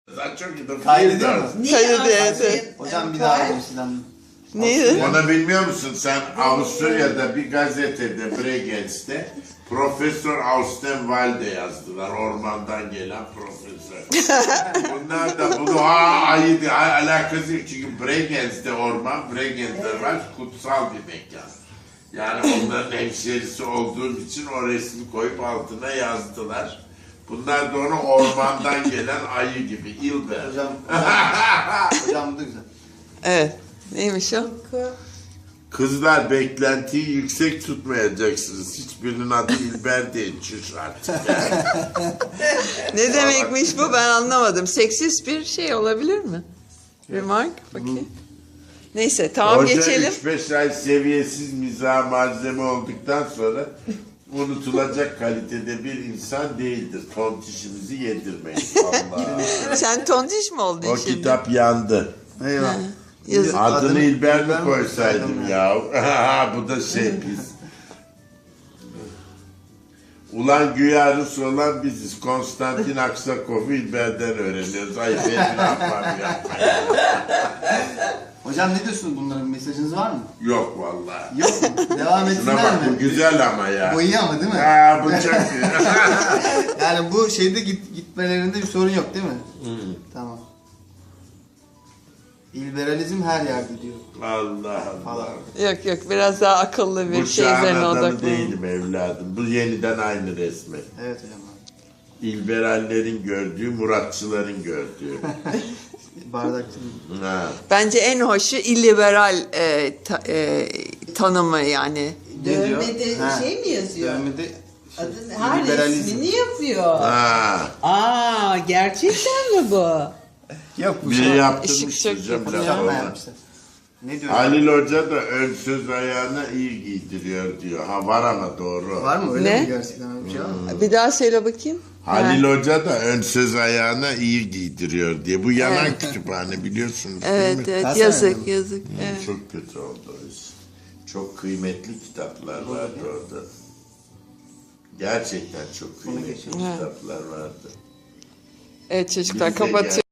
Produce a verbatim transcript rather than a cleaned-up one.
Sen çok iyi de Kaydediyor mu? Niye Kaydı anlarsın? evet. Hocam bir daha alayım sizden. Neydi? Onu bilmiyor musun sen? Avusturya'da bir gazetede Bregenz'te Profesör Austenwalde yazdılar. Ormandan gelen profesör. Bunlar da bunu aa ayı diye alakası yok. Çünkü Bregenz'de orman, Bregenz'de var kutsal bir mekan. Yani onların hemşerisi olduğum için o resmi koyup altına yazdılar. Bunlar da onu ormandan gelen ayı gibi. İlber. Hocam, hocam bu da güzel. Evet. Neymiş o? Kızlar beklentiyi yüksek tutmayacaksınız. Hiçbirinin adı İlber değil. Çüş artık. Ne demekmiş bu ben anlamadım. Seksist bir şey olabilir mi? Remark bakayım. Neyse tamam Hoca geçelim. üç beş ay seviyesiz mizah malzeme olduktan sonra unutulacak kalitede bir insan değildir. Tontişimizi yedirmeyin. Allah. Sen tontiş mi oldun O şimdi? kitap yandı. Eyvah. Yazık. Adını İlber mi İlber mi koysaydım koysaydım ya? Bu da şey biz. Ulan güya Rus olan biziz. Konstantin Aksakov'u İlber'den öğreniyoruz. Ay ben ne yapmam ya? Hocam ne diyorsunuz bunların mesajınız var mı? Yok vallahi. Yok mu? Devam Şuna etsinler bak bu mi? güzel ama ya. Bu iyi ama değil mi? Ha bu çok iyi. Yani bu şeyde git, gitmelerinde bir sorun yok değil mi? Tamam. İlberalizm her yerde diyor. Allah Allah. Yok yok biraz daha akıllı bir Bu şey çağın üzerine adamı odaklanın. değilim evladım. Bu yeniden aynı resmi. Evet hocam. İlberallerin gördüğü, Muratçıların gördüğü. Bardakçı. Ha. Bence en hoşu illiberal e, ta- e, tanımı yani. Ne diyor? Dövmede Ha. şey mi yazıyor? Dövmede Adın, her liberalizm. resmini yapıyor. Ha. Aa, gerçekten mi bu? Yok bu Bir şey. yaptırmış Işık hocam çok laf Hocam ona. yapmışlar. Ne diyor? Halil Hoca da ön söz ayağına iyi giydiriyor diyor. Ha var ama doğru. Var mı öyle Ne? mi gerçekten öyle bir şey var mı? Bir daha söyle bakayım. Halil Ha. Hoca da ön söz ayağına iyi giydiriyor diye. Bu yanan Evet. kütüphane biliyorsunuz değil Evet mi? evet Kaç yazık sene? yazık. Evet. Çok kötü oldu o iş. Çok kıymetli kitaplar vardı orada. Gerçekten çok kıymetli geçelim. kitaplar vardı. Evet çocuklar Bize gel. kapatıyor.